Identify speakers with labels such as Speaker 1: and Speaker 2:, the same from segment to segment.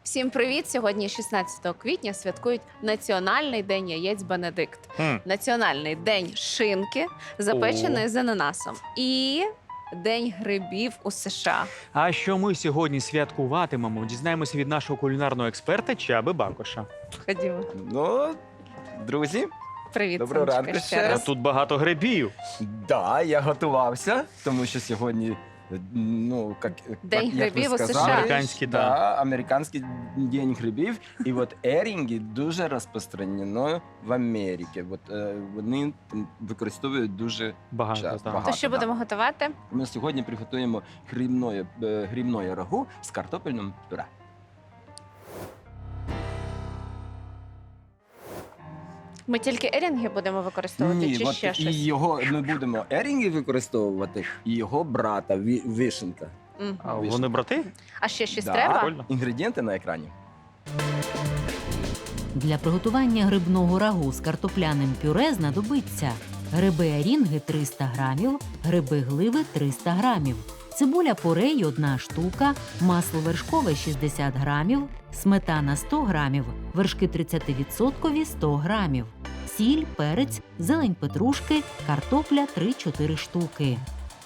Speaker 1: Всім привіт! Сьогодні 16 квітня святкують Національний день яєць Бенедикт, Національний день шинки, запеченої з ананасом і День грибів у США.
Speaker 2: А що ми сьогодні святкуватимемо, дізнаємося від нашого кулінарного експерта Чаби Бакоша.
Speaker 1: Ходімо.
Speaker 3: Ну, друзі,
Speaker 1: Привіт,
Speaker 3: Доброго
Speaker 1: Сонечка,
Speaker 3: ранку
Speaker 1: ще
Speaker 3: ще
Speaker 2: А
Speaker 1: раз.
Speaker 2: тут багато грибів.
Speaker 3: да, я готувався, тому що сьогодні, ну,
Speaker 1: День
Speaker 3: як ви
Speaker 1: грибів у
Speaker 3: сказали,
Speaker 1: США.
Speaker 2: Американський,
Speaker 3: да, американський день грибів. І от ерінги дуже розпространено в Америці. От, вони використовують дуже
Speaker 2: Багато,
Speaker 3: часто.
Speaker 2: так.
Speaker 3: Багато.
Speaker 1: То що
Speaker 3: да.
Speaker 1: будемо готувати?
Speaker 3: Ми сьогодні приготуємо грибне рагу з картопельним пюре.
Speaker 1: Ми тільки ерінги будемо використовувати
Speaker 3: Ні,
Speaker 1: чи
Speaker 3: от
Speaker 1: ще
Speaker 3: і
Speaker 1: щось?
Speaker 3: його ми будемо ерінги використовувати, і його брата вишенка.
Speaker 1: Мгм.
Speaker 2: А вони брати?
Speaker 1: А ще щось
Speaker 3: Да.
Speaker 1: треба?
Speaker 2: Прикольно.
Speaker 3: Інгредієнти на екрані.
Speaker 4: Для приготування грибного рагу з картопляним пюре знадобиться гриби ерінги 300 грамів, гриби гливи 300 грамів, цибуля порей 1 штука, масло вершкове 60 грамів, сметана 100 грамів, вершки 30% 100 грамів, сіль, перець, зелень петрушки, картопля 3-4 штуки.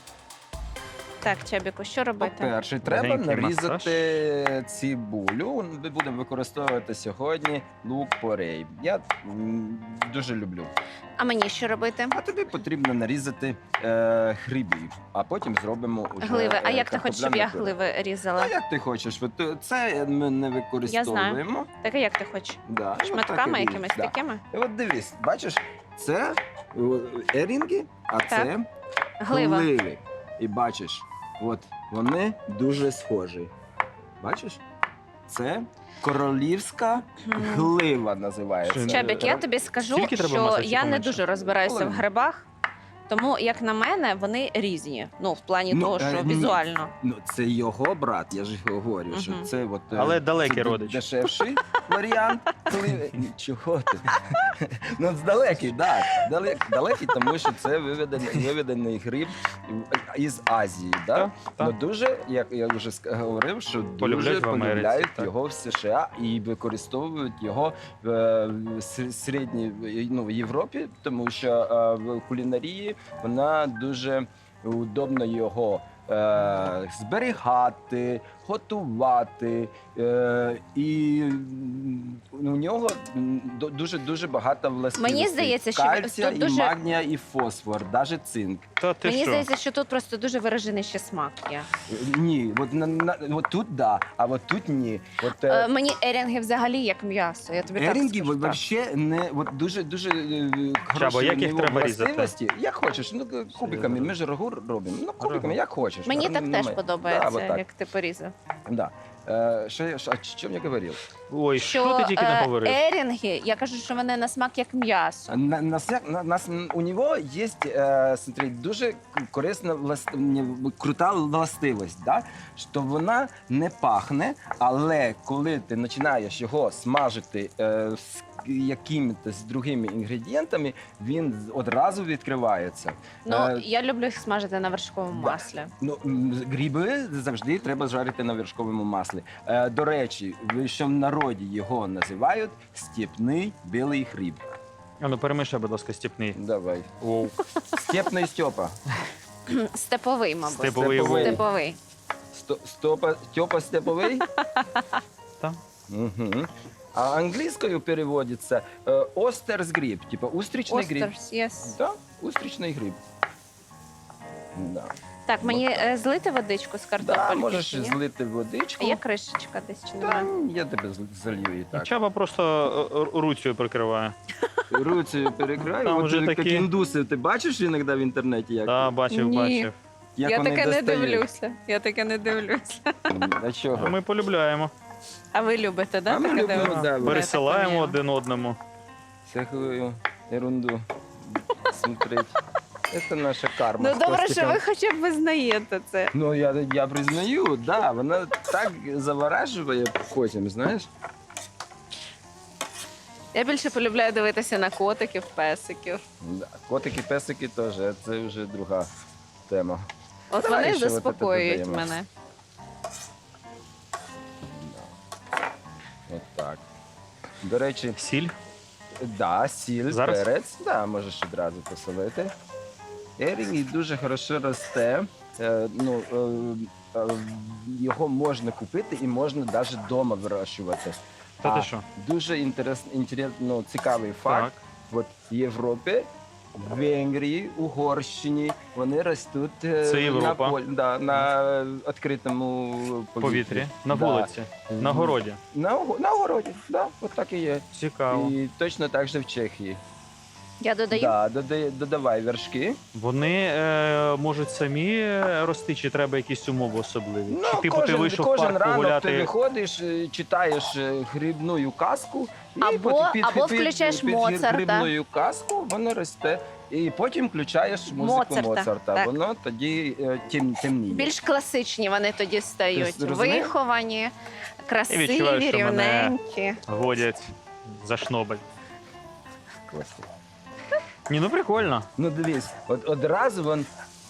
Speaker 1: Так, Чабіку, що робити?
Speaker 3: По-перше, треба
Speaker 2: Легенький
Speaker 3: нарізати цибулю. Ми будемо використовувати сьогодні лук порей. Я дуже люблю.
Speaker 1: А мені що робити?
Speaker 3: А тобі потрібно нарізати грибів, а потім зробимо уже
Speaker 1: Гливи. А як ти хочеш, щоб я
Speaker 3: картопляне пюре.
Speaker 1: гливи різала?
Speaker 3: А як ти хочеш? От, це ми не використовуємо.
Speaker 1: Так, а як ти хочеш?
Speaker 3: Да, і от так і
Speaker 1: Шматками
Speaker 3: ріж,
Speaker 1: якимись
Speaker 3: да.
Speaker 1: такими?
Speaker 3: І от дивись, бачиш, це ерінги, а це
Speaker 1: Глива.
Speaker 3: гливи. І бачиш, от вони дуже схожі. Бачиш? Це королівська глива називається.
Speaker 2: Чи-
Speaker 1: Чабік, я тобі скажу,
Speaker 2: Скільки треба
Speaker 1: що
Speaker 2: масла, чи
Speaker 1: я не
Speaker 2: поменше?
Speaker 1: дуже розбираюся в
Speaker 3: Половину.
Speaker 1: грибах, тому, як на мене, вони різні. Ну, в плані
Speaker 3: Ну,
Speaker 1: того, що
Speaker 3: ні.
Speaker 1: візуально.
Speaker 3: Ну, це його брат, я ж говорю, що
Speaker 1: Мгм.
Speaker 3: це от,
Speaker 2: Але далекий
Speaker 3: це
Speaker 2: родич.
Speaker 3: дешевший варіант. Коли... Чого ти? Ну, далекий, так. Далекий, тому що це виведений гриб із Азії. Да?
Speaker 2: Так, так.
Speaker 3: Ну, дуже, як я вже говорив, що
Speaker 2: Полюбляють
Speaker 3: дуже
Speaker 2: в Америці,
Speaker 3: полюбляють
Speaker 2: так.
Speaker 3: його в США і використовують його в середній, ну, в Європі, тому що в кулінарії вона дуже удобно його зберігати, готувати, і у нього дуже багато властивостей.
Speaker 1: Мені здається, що
Speaker 3: кальція,
Speaker 1: тут
Speaker 3: і
Speaker 1: дуже-
Speaker 3: магнія, і фосфор, навіть цинк.
Speaker 2: Та ти
Speaker 1: Мені
Speaker 2: що?
Speaker 1: здається, що тут просто дуже виражений ще смак є.
Speaker 3: Ні, от тут да, а от тут ні. От,
Speaker 1: Мені ерінги взагалі як м'ясо. Я тобі
Speaker 3: ерінги
Speaker 1: так скажу. так.
Speaker 3: взагалі не от дуже хороші
Speaker 2: як їх
Speaker 3: у нього
Speaker 2: треба різати?
Speaker 3: властивості. Як хочеш, ну кубиками. Ми ж рагу робимо. Ну кубиками, як хочеш.
Speaker 1: Мені так теж
Speaker 3: Немає.
Speaker 1: подобається,
Speaker 3: Да, от так.
Speaker 1: як ти порізав.
Speaker 3: Да. Що я говорив?
Speaker 2: Ой, що ти тільки не говорив?
Speaker 1: ерінги, я кажу, що вони на смак як м'ясо.
Speaker 3: У нього є, смотри, дуже корисна крута властивість, да? Що вона не пахне, але коли ти починаєш його смажити з якимись другими інгредієнтами, він одразу відкривається.
Speaker 1: Ну, я люблю їх смажити на вершковому
Speaker 3: да.
Speaker 1: маслі.
Speaker 3: Ну, гриби завжди треба жарити на вершковому маслі. До речі, що в народі його називають степний білий гриб.
Speaker 2: А ну перемішай, будь ласка, стіпний.
Speaker 3: Давай.
Speaker 2: Оу.
Speaker 3: Степний Степа.
Speaker 1: Степовий, мабуть.
Speaker 2: Степовий
Speaker 3: Степовий.
Speaker 2: вовк.
Speaker 1: Степовий.
Speaker 3: Степа степовий?
Speaker 2: Так.
Speaker 3: Угу. А англійською переводиться остерс гриб, типу устрічний гриб.
Speaker 1: Остерс, yes.
Speaker 3: Да, устрічний гриб. Да.
Speaker 1: Так, мені злити водичку з
Speaker 3: Да,
Speaker 1: картопельки?
Speaker 3: можеш
Speaker 1: чи ні?
Speaker 3: злити
Speaker 1: А
Speaker 3: водичку.
Speaker 1: є кришечка десь чи
Speaker 3: Да,
Speaker 1: немає?
Speaker 3: я тебе залью і так.
Speaker 2: Чаба просто руцею прикриває.
Speaker 3: Руцею перекраю.
Speaker 2: Там
Speaker 3: От
Speaker 2: вже
Speaker 3: як
Speaker 2: такі-
Speaker 3: індуси, ти бачиш іноді в інтернеті, як,
Speaker 2: Так, бачив,
Speaker 1: Ні.
Speaker 2: бачив.
Speaker 3: як
Speaker 1: Я
Speaker 3: вони
Speaker 1: таке не
Speaker 3: достають?
Speaker 1: дивлюся. Я таке не дивлюся.
Speaker 3: А чого?
Speaker 2: Ми полюбляємо.
Speaker 1: А ви любите, да?
Speaker 3: А ми
Speaker 1: таке
Speaker 3: любимо,
Speaker 1: дивитися?
Speaker 3: да,
Speaker 1: Я так
Speaker 2: Пересилаємо
Speaker 1: поняла.
Speaker 2: один одному.
Speaker 3: Всякую ерунду смотреть. Це наша карма.
Speaker 1: Ну
Speaker 3: з
Speaker 1: добре, що
Speaker 3: Костіком.
Speaker 1: ви хоча б визнаєте це.
Speaker 3: Ну, я признаю, да, вона так заворажує потім, знаєш.
Speaker 1: Я більше полюбляю дивитися на котиків, песиків.
Speaker 3: Да. Котики, песики теж, це вже друга тема.
Speaker 1: От
Speaker 3: Давай
Speaker 1: вони
Speaker 3: ще от це
Speaker 1: заспокоюють
Speaker 3: додаємо.
Speaker 1: мене.
Speaker 3: До речі,
Speaker 2: Сіль.
Speaker 3: да, сіль,
Speaker 2: Зараз?
Speaker 3: перець, да, можеш одразу посолити. Ерінг дуже хорошо росте. Його можна купити і можна навіть вдома вирощувати.
Speaker 2: Та ти
Speaker 3: А,
Speaker 2: що?
Speaker 3: Дуже цікавий факт.
Speaker 2: Так.
Speaker 3: От в Європі, в Венгрії, Угорщині вони ростуть
Speaker 2: Це Європа.
Speaker 3: на відкритому
Speaker 2: Повітрі. На
Speaker 3: Да.
Speaker 2: вулиці. На городі.
Speaker 3: На огороді, да, от так і є.
Speaker 2: Цікаво.
Speaker 3: І точно так же в Чехії.
Speaker 1: Я додаю.
Speaker 3: Да, додавай вершки.
Speaker 2: Вони можуть самі рости, чи треба якісь умови особливі? Чи типу ти
Speaker 3: кожен,
Speaker 2: вийшов в
Speaker 3: кожен
Speaker 2: парк
Speaker 3: ранок ти
Speaker 2: погуляти?
Speaker 3: виходиш, читаєш грибну казку, і
Speaker 1: Або включаєш Моцарта.
Speaker 3: грибну казку, воно росте. І потім включаєш музику
Speaker 1: Моцарта,
Speaker 3: Моцарта.
Speaker 1: так.
Speaker 3: Воно тоді темніє.
Speaker 1: Більш класичні вони тоді стають.
Speaker 3: Ти зрозумів?
Speaker 1: Виховані, красиві,
Speaker 2: відчуваю, що мене-
Speaker 1: рівненькі.
Speaker 2: Водять за шнобель.
Speaker 3: Класно.
Speaker 2: Ні, ну прикольно.
Speaker 3: Ну дивись, одразу вон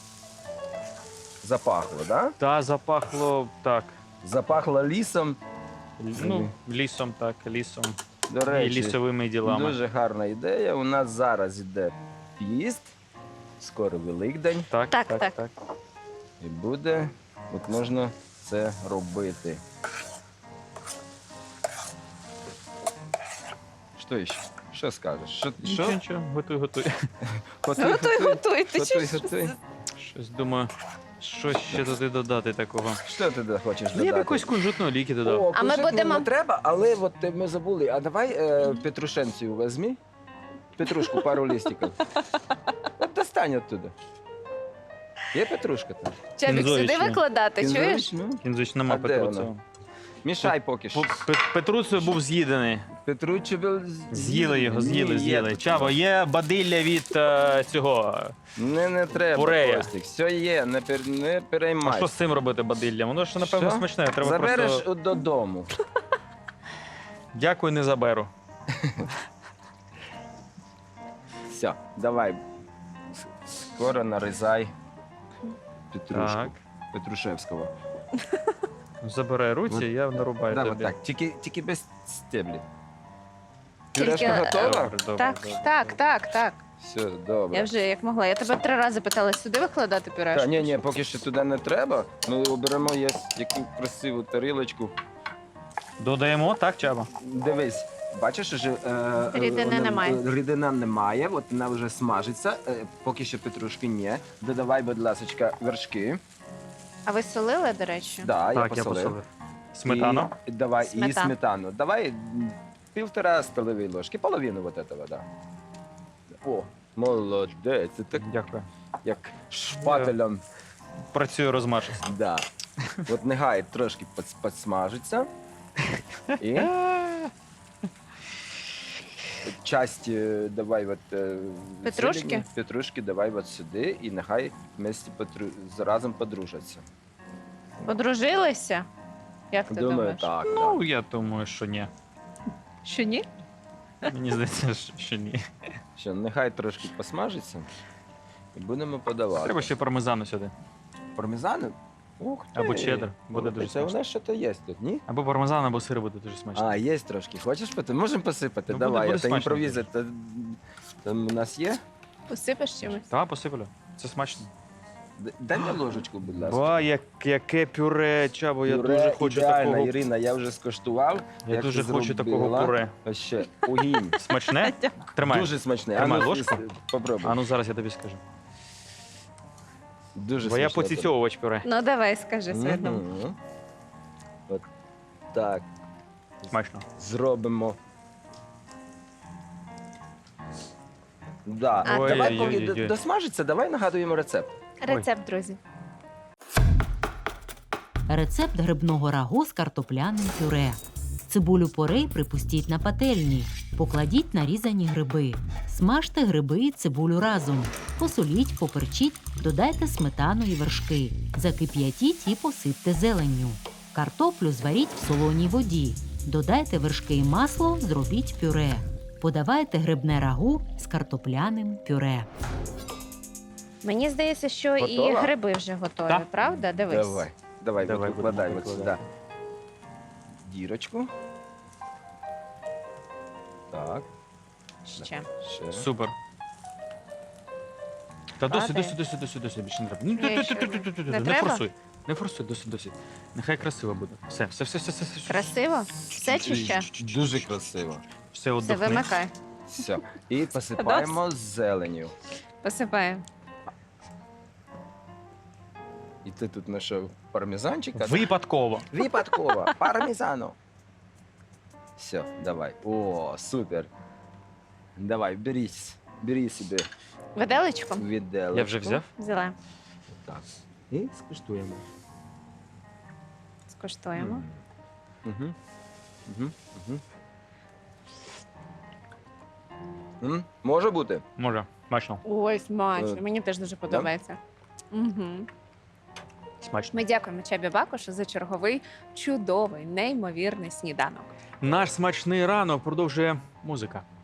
Speaker 3: запахло, да?
Speaker 2: Та запахло так.
Speaker 3: Запахло лісом.
Speaker 2: Ну, лісом, так, лісом.
Speaker 3: До
Speaker 2: І
Speaker 3: речі,
Speaker 2: лісовими ділами.
Speaker 3: дуже гарна ідея. У нас зараз іде піст, скоро Великдень,
Speaker 2: Так,
Speaker 1: Так,
Speaker 2: так,
Speaker 1: так.
Speaker 2: так.
Speaker 3: і буде, от можна це робити. Що ще? Що скажеш? Що?
Speaker 2: Нічого, нічого, готуй, готуй.
Speaker 1: Готуй. Ти
Speaker 3: Готуй,
Speaker 1: що?
Speaker 3: готуй.
Speaker 2: Щось думаю, що ще туди додати такого.
Speaker 3: Що ти хочеш
Speaker 2: Я б
Speaker 3: додати?
Speaker 2: якусь кунжутну ліки додав.
Speaker 3: О,
Speaker 1: А ми
Speaker 3: кунжутну
Speaker 1: будемо-
Speaker 3: не треба, але от ми забули. А давай петрушенцію візьми. Петрушку, пару листиків. От достань оттуда. Є петрушка там?
Speaker 1: Чабік, сюди
Speaker 2: Кінзович,
Speaker 1: викладати, чуєш?
Speaker 3: Кінзович? Ну,
Speaker 2: Кінзуч нема
Speaker 3: А де
Speaker 2: Петруцева.
Speaker 3: вона? Мішай поки що.
Speaker 2: Петруцев був з'їдений.
Speaker 3: Петручеві
Speaker 2: З'їли його, з'їли.
Speaker 3: Є.
Speaker 2: Чаво, є бадилля від цього.
Speaker 3: Не треба,
Speaker 2: Пурея.
Speaker 3: Костік. Все є, не
Speaker 2: А
Speaker 3: переймай.
Speaker 2: що з цим робити бадиллям? Воно ж, напевно,
Speaker 3: Що?
Speaker 2: смачне. Треба
Speaker 3: Забереш
Speaker 2: просто...
Speaker 3: додому.
Speaker 2: Дякую, не заберу.
Speaker 3: Все, давай. Скоро нарізай петрушку.
Speaker 2: Так.
Speaker 3: Петрушевського.
Speaker 2: Забирай руці, я нарубаю
Speaker 3: Да,
Speaker 2: тобі.
Speaker 3: от так. Тільки без стеблів.
Speaker 1: Тільки,
Speaker 3: Пюрешка готова?
Speaker 2: Добре, добре,
Speaker 1: Так,
Speaker 2: добре.
Speaker 1: так.
Speaker 3: Все, добре.
Speaker 1: Я вже як могла. Я тебе 3 рази питала сюди викладати пюрешку.
Speaker 3: Та, ні, поки що туди не треба. Ми оберемо яку красиву тарілочку.
Speaker 2: Додаємо, так, Чаба?
Speaker 3: Дивись, бачиш, що
Speaker 1: Рідини немає.
Speaker 3: Рідина немає, от вона вже смажиться. Поки що петрушки ні. Додавай, будь ласка, вершки.
Speaker 1: А ви солили, до речі?
Speaker 3: Да, я
Speaker 2: Так, я
Speaker 3: посолив.
Speaker 2: посолив. Сметану?
Speaker 3: І, давай, і
Speaker 1: Сметана.
Speaker 3: сметану. Давай 1,5 столової ложки, половину вот этого, да. О, молодець. Це так,
Speaker 2: Дякую.
Speaker 3: як шпателем.
Speaker 2: Працюю розмашисто.
Speaker 3: Да. От нехай трошки підсмажиться. І часть давай от,
Speaker 1: Петрушки?
Speaker 3: зелені, петрушки давай от сюди і нехай вместе разом подружаться.
Speaker 1: Подружилися? Як ти
Speaker 3: Думаю,
Speaker 1: думаєш?
Speaker 3: так.
Speaker 2: Ну, я думаю, що ні.
Speaker 1: Що ні?
Speaker 2: Мені здається, що ні.
Speaker 3: Що, нехай трошки посмажиться і будемо подавати.
Speaker 2: Треба ще пармезану сюди.
Speaker 3: Пармезану? Ух ти.
Speaker 2: Або чеддер. Буде дуже
Speaker 3: Це у
Speaker 2: смачно.
Speaker 3: нас щось є тут, ні?
Speaker 2: Або пармезан, або сир буде дуже смачно.
Speaker 3: А, є трошки. Хочеш Можемо посипати?
Speaker 2: Ну,
Speaker 3: Давай,
Speaker 2: буде
Speaker 3: це
Speaker 2: смачно.
Speaker 3: імпровіза. Там у нас є?
Speaker 1: Посипеш чимось?
Speaker 2: Так, посиплю. Це смачно.
Speaker 3: Дай мені ложечку, будь ласка.
Speaker 2: Ба, яке пюре, Чабо, я
Speaker 3: Пюре
Speaker 2: дуже хочу
Speaker 3: ідеально,
Speaker 2: такого.
Speaker 3: Ірина, я вже скуштував.
Speaker 2: Я
Speaker 3: як
Speaker 2: дуже
Speaker 3: ти
Speaker 2: хочу такого
Speaker 3: зробила.
Speaker 2: пюре.
Speaker 3: Ось ще, огінь.
Speaker 2: Смачне? Тримай.
Speaker 3: Дуже смачне.
Speaker 2: Тримай
Speaker 3: А ну,
Speaker 2: ложку.
Speaker 3: Попробуй.
Speaker 2: А ну зараз я тобі скажу.
Speaker 3: Дуже
Speaker 2: Бо я
Speaker 3: смачне.
Speaker 2: поціцьовувач пюре.
Speaker 1: Ну давай, скажи свою думку.
Speaker 3: Мгм. От так.
Speaker 2: Смачно.
Speaker 3: Зробимо. Да.
Speaker 1: А,
Speaker 3: Давай,
Speaker 2: ой,
Speaker 3: поки
Speaker 2: ой, ой, ой.
Speaker 3: досмажиться, давай нагадуємо рецепт.
Speaker 1: Рецепт, друзі.
Speaker 4: Рецепт грибного рагу з картопляним пюре. Цибулю порей припустіть на пательні. Покладіть нарізані гриби. Смажте гриби і цибулю разом. Посоліть, поперчіть, додайте сметану і вершки. Закип'ятіть і посипте зеленню. Картоплю зваріть в солоній воді. Додайте вершки і масло, зробіть пюре. Подавайте грибне рагу з картопляним пюре.
Speaker 1: Мені здається, що і
Speaker 3: Готова?
Speaker 1: гриби вже готові,
Speaker 2: Так.
Speaker 1: правда? Дивись.
Speaker 3: Давай,
Speaker 2: Давай,
Speaker 3: викладай
Speaker 2: будемо
Speaker 3: от сюди
Speaker 2: викладати.
Speaker 3: дірочку. Так,
Speaker 1: Ще.
Speaker 3: ще.
Speaker 2: Супер. Та досить,
Speaker 1: Падає.
Speaker 2: досить, більше не треба. Ну,
Speaker 1: Ні, ще не
Speaker 2: Не
Speaker 1: треба?
Speaker 2: форсуй. Не форсуй, досить. Нехай красиво буде. Все.
Speaker 1: Красиво? Все чи ще?
Speaker 3: Дуже красиво.
Speaker 2: Все,
Speaker 1: Все,
Speaker 2: отдохни.
Speaker 1: вимикай.
Speaker 3: Все. І посипаємо зеленю.
Speaker 1: Посипаємо.
Speaker 3: І ти тут знайшов пармезанчика?
Speaker 2: Випадково.
Speaker 3: Випадково. Пармезану. Все, давай. О, супер. Давай, бери собі
Speaker 1: Виделечку?
Speaker 3: віделочку.
Speaker 2: Я вже взяв.
Speaker 1: Взяла.
Speaker 3: Так. І скуштуємо.
Speaker 1: Скуштуємо.
Speaker 3: Угу. Угу. Угу. Може бути?
Speaker 2: Може, смачно.
Speaker 1: Ой, смачно.
Speaker 3: Е,
Speaker 1: Мені теж дуже подобається. Угу.
Speaker 2: Смачно.
Speaker 1: Ми дякуємо Чабі Бакошу за черговий чудовий, неймовірний сніданок.
Speaker 2: Наш смачний ранок продовжує музика.